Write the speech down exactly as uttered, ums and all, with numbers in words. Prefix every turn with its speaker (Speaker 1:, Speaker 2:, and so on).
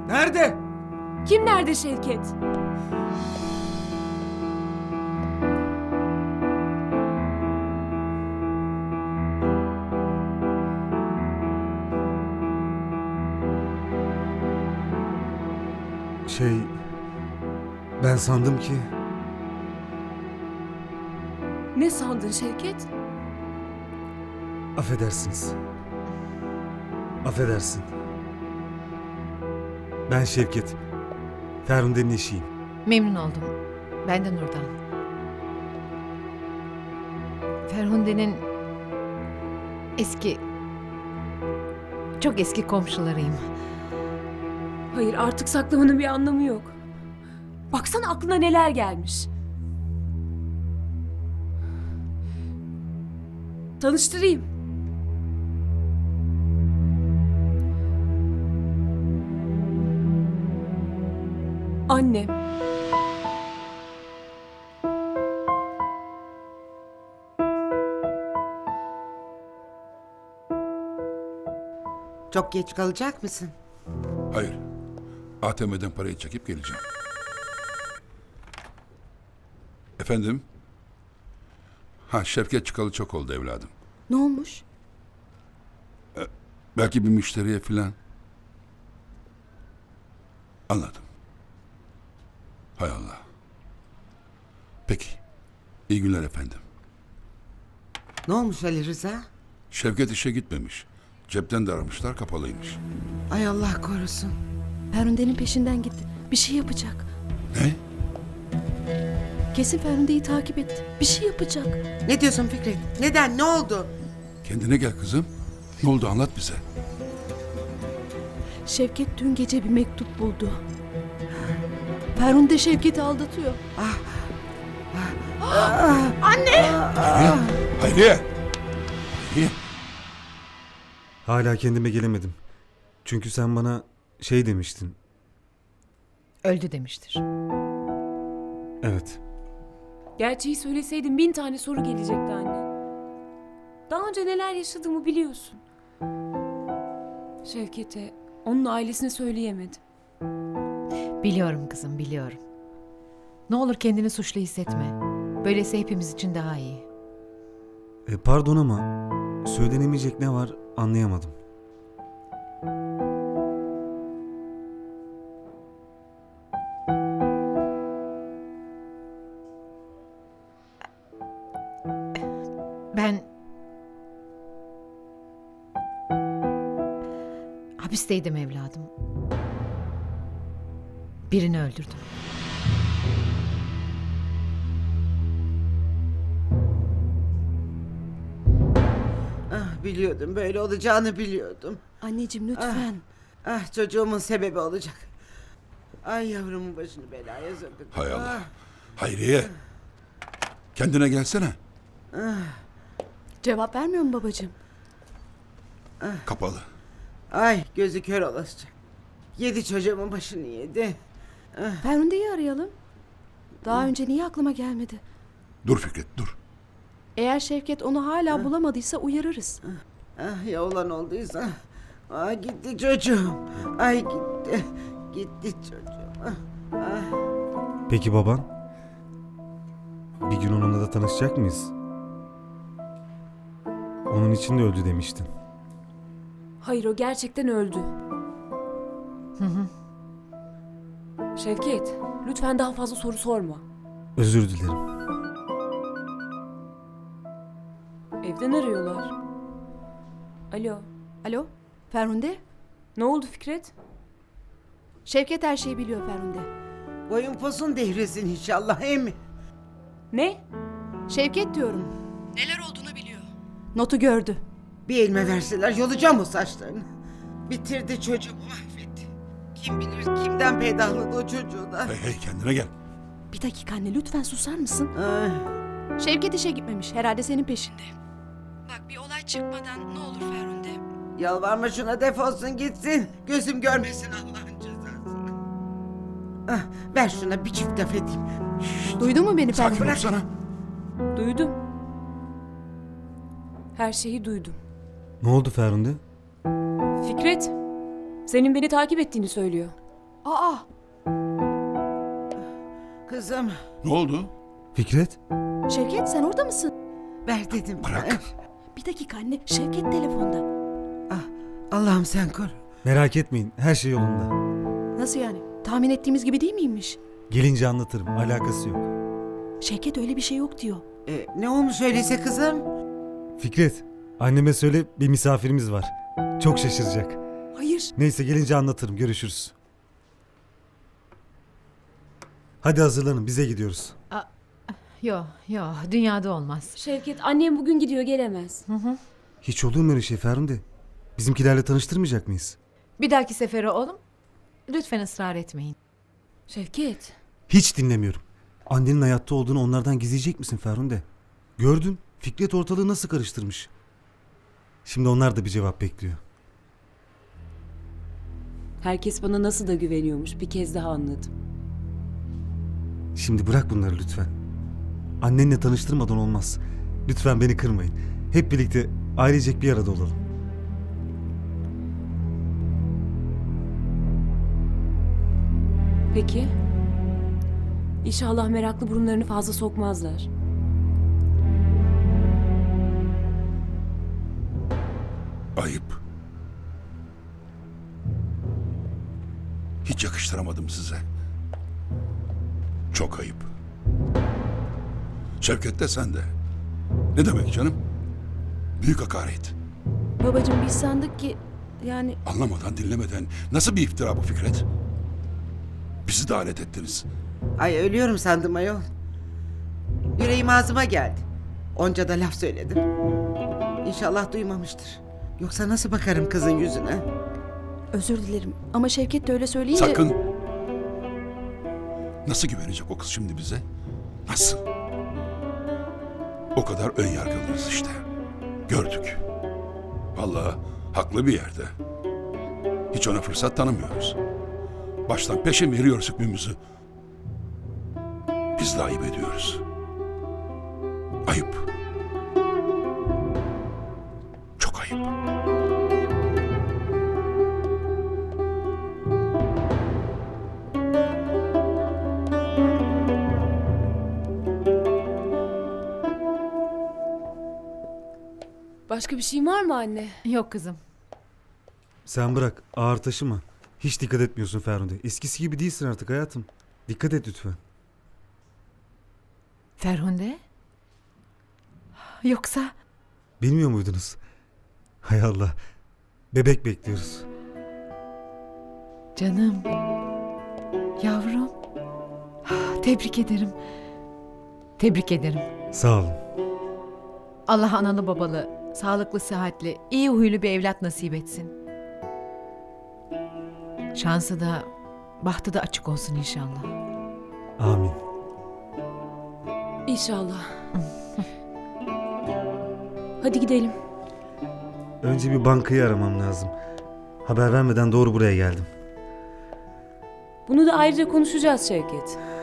Speaker 1: Nerede?
Speaker 2: Kim nerede Şevket?
Speaker 1: Şey... Ben sandım ki...
Speaker 2: Ne sandın Şevket?
Speaker 1: Affedersiniz. Affedersin. Ben Şevket. Ferhunde'nin eşiyim.
Speaker 3: Memnun oldum. Ben de Nurdan. Ferhunde'nin eski, çok eski komşularıyım.
Speaker 2: Hayır, artık saklamanın bir anlamı yok. Baksana aklına neler gelmiş. Tanıştırayım. Annem.
Speaker 4: Çok geç kalacak mısın?
Speaker 5: Hayır. A T M'den parayı çekip geleceğim. Efendim? Ha, Şevket çıkalı çok oldu evladım.
Speaker 2: Ne olmuş?
Speaker 5: Belki bir müşteriye filan. Anladım. Hay Allah. Peki. İyi günler efendim.
Speaker 4: Ne olmuş Ali Rıza?
Speaker 5: Şevket işe gitmemiş. Cepten de aramışlar, kapalıymış.
Speaker 4: Ay Allah korusun.
Speaker 6: Ferhunde'nin peşinden gitti. Bir şey yapacak.
Speaker 5: Ne?
Speaker 6: Kesin Ferhunde'yi takip etti. Bir şey yapacak.
Speaker 4: Ne diyorsun Fikret? Neden? Ne oldu?
Speaker 5: Kendine gel kızım. Ne oldu, anlat bize.
Speaker 6: Şevket dün gece bir mektup buldu. Ferhunde Şevket'i aldatıyor.
Speaker 5: Hayriye! Hayriye! Hayriye!
Speaker 1: Hala kendime gelemedim. Çünkü sen bana şey demiştin.
Speaker 3: Öldü demiştir.
Speaker 1: Evet.
Speaker 2: Gerçeği söyleseydin bin tane soru gelecekti anne. Daha önce neler yaşadığımı biliyorsun. Şevket'e, onun ailesine söyleyemedim.
Speaker 3: Biliyorum kızım, biliyorum. Ne olur kendini suçlu hissetme. Böylesi hepimiz için daha iyi.
Speaker 1: E, pardon ama söylenemeyecek ne var anlayamadım.
Speaker 3: Ben hapisteydim evladım. Birini öldürdüm.
Speaker 4: Ah, biliyordum, böyle olacağını biliyordum.
Speaker 6: Anneciğim lütfen.
Speaker 4: Ah, çocuğumun sebebi olacak. Ay yavrumun başını belaya sokacak.
Speaker 5: Hay Allah.
Speaker 4: Ah,
Speaker 5: Hayriye! Kendine gelsene.
Speaker 6: Cevap vermiyor mu babacığım?
Speaker 5: Kapalı.
Speaker 4: ay gözü kör olacak. Yedi çocuğumun başını yedi.
Speaker 6: Ferhunde'yi arayalım. Daha önce niye aklıma gelmedi?
Speaker 5: Dur Fikret, dur.
Speaker 6: Eğer Şevket onu hala bulamadıysa uyarırız.
Speaker 4: Ah, ya olan olduysa. Ah, gitti çocuğum. Ay gitti. Gitti çocuğum. Ah, ah.
Speaker 1: Peki baban? Bir gün onunla da tanışacak mıyız? Onun için de öldü demiştin.
Speaker 2: Hayır, o gerçekten öldü.
Speaker 3: Hı hı.
Speaker 2: Şevket, lütfen daha fazla soru sorma.
Speaker 1: Özür dilerim.
Speaker 2: Evden arıyorlar. Alo,
Speaker 6: Alo Ferhunde?
Speaker 2: ne oldu Fikret?
Speaker 6: Şevket her şeyi biliyor Ferhunde.
Speaker 4: Boyun posun devresin inşallah, he mi?
Speaker 2: Ne?
Speaker 6: Şevket diyorum. Neler olduğunu biliyor. Notu gördü.
Speaker 4: Bir elime verseler yolacağım o saçlarını. Bitirdi çocuğumu, mahvetti. Kim bilir kimden peydahladı o çocuğu da.
Speaker 5: Hey hey, kendine gel.
Speaker 6: Bir dakika anne, lütfen susar mısın?
Speaker 4: Ay.
Speaker 6: Şevket işe gitmemiş. Herhalde senin peşinde. Bak, bir olay çıkmadan ne olur Ferhunde.
Speaker 4: Yalvarma şuna, defolsun gitsin. Gözüm görmesin Allah'ın cezasını. Ah, ver şuna bir çift laf edeyim.
Speaker 6: Duydun mu beni
Speaker 5: Sakin
Speaker 6: Ferhunde?
Speaker 5: olsana.
Speaker 2: Duydum. Her şeyi duydum.
Speaker 1: Ne oldu Ferhunde?
Speaker 2: Fikret, senin beni takip ettiğini söylüyor.
Speaker 6: Aa,
Speaker 4: Kızım
Speaker 5: Ne oldu?
Speaker 1: Fikret?
Speaker 6: Şevket sen orada mısın?
Speaker 4: ver dedim.
Speaker 5: Bırak.
Speaker 6: Bir dakika anne, Şevket telefonda.
Speaker 4: Ah, Allah'ım sen koru.
Speaker 1: Merak etmeyin, her şey yolunda.
Speaker 6: Nasıl yani? Tahmin ettiğimiz gibi değil miymiş?
Speaker 1: Gelince anlatırım, alakası yok.
Speaker 6: Şevket öyle bir şey yok diyor.
Speaker 4: Ee, ne olmuş öyleyse kızım?
Speaker 1: Fikret, anneme söyle bir misafirimiz var. Çok şaşıracak.
Speaker 6: Hayır.
Speaker 1: Neyse gelince anlatırım, görüşürüz. Hadi hazırlanın, bize gidiyoruz.
Speaker 3: Yo yo dünyada olmaz.
Speaker 2: Şevket annem bugün gidiyor gelemez.
Speaker 1: Hiç olur mu öyle şey Ferhunde? Bizimkilerle tanıştırmayacak mıyız?
Speaker 3: Bir dahaki sefere oğlum. Lütfen ısrar etmeyin.
Speaker 2: Şevket.
Speaker 1: Hiç dinlemiyorum. Annenin hayatta olduğunu onlardan gizleyecek misin Ferhunde? Gördün, Fikret ortalığı nasıl karıştırmış. Şimdi onlar da bir cevap bekliyor.
Speaker 2: Herkes bana nasıl da güveniyormuş bir kez daha anladım.
Speaker 1: Şimdi bırak bunları lütfen. Annenle tanıştırmadan olmaz. Lütfen beni kırmayın. Hep birlikte ailecek bir arada olalım.
Speaker 2: Peki. İnşallah meraklı burunlarını fazla sokmazlar.
Speaker 5: Ayıp. Hiç yakıştıramadım size. Çok ayıp. Şevket de sen de. Ne demek canım? Büyük hakaret.
Speaker 6: Babacığım biz sandık ki yani
Speaker 5: Anlamadan dinlemeden nasıl bir iftira bu Fikret? Bizi de alet ettiniz.
Speaker 4: Ay ölüyorum sandım ayol. Yüreğim ağzıma geldi. Onca da laf söyledim. İnşallah duymamıştır. Yoksa nasıl bakarım kızın yüzüne?
Speaker 6: özür dilerim ama Şevket de öyle söyleyince...
Speaker 5: Sakın. Nasıl güvenecek o kız şimdi bize? Nasıl? O kadar ön yargılıyız işte. Gördük. Vallahi haklı bir yerde. Hiç ona fırsat tanımıyoruz. Baştan peşin veriyoruz hükmümüzü. Biz de ayıp ediyoruz. Ayıp. Çok ayıp.
Speaker 2: Başka bir şeyin var mı anne?
Speaker 3: Yok kızım.
Speaker 1: Sen bırak, ağır taşıma. Hiç dikkat etmiyorsun Ferhunde. Eskisi gibi değilsin artık hayatım. Dikkat et lütfen.
Speaker 3: Ferhunde? Yoksa
Speaker 1: Bilmiyor muydunuz? Hay Allah. Bebek bekliyoruz.
Speaker 3: canım. Yavrum. Tebrik ederim. Tebrik ederim.
Speaker 1: Sağ olun.
Speaker 3: Allah analı babalı, sağlıklı, sıhhatli, iyi huylu bir evlat nasip etsin. Şansı da, bahtı da açık olsun inşallah.
Speaker 1: Amin.
Speaker 2: İnşallah. Hadi gidelim.
Speaker 1: Önce bir bankayı aramam lazım. Haber vermeden doğru buraya geldim.
Speaker 2: Bunu da ayrıca konuşacağız Şevket.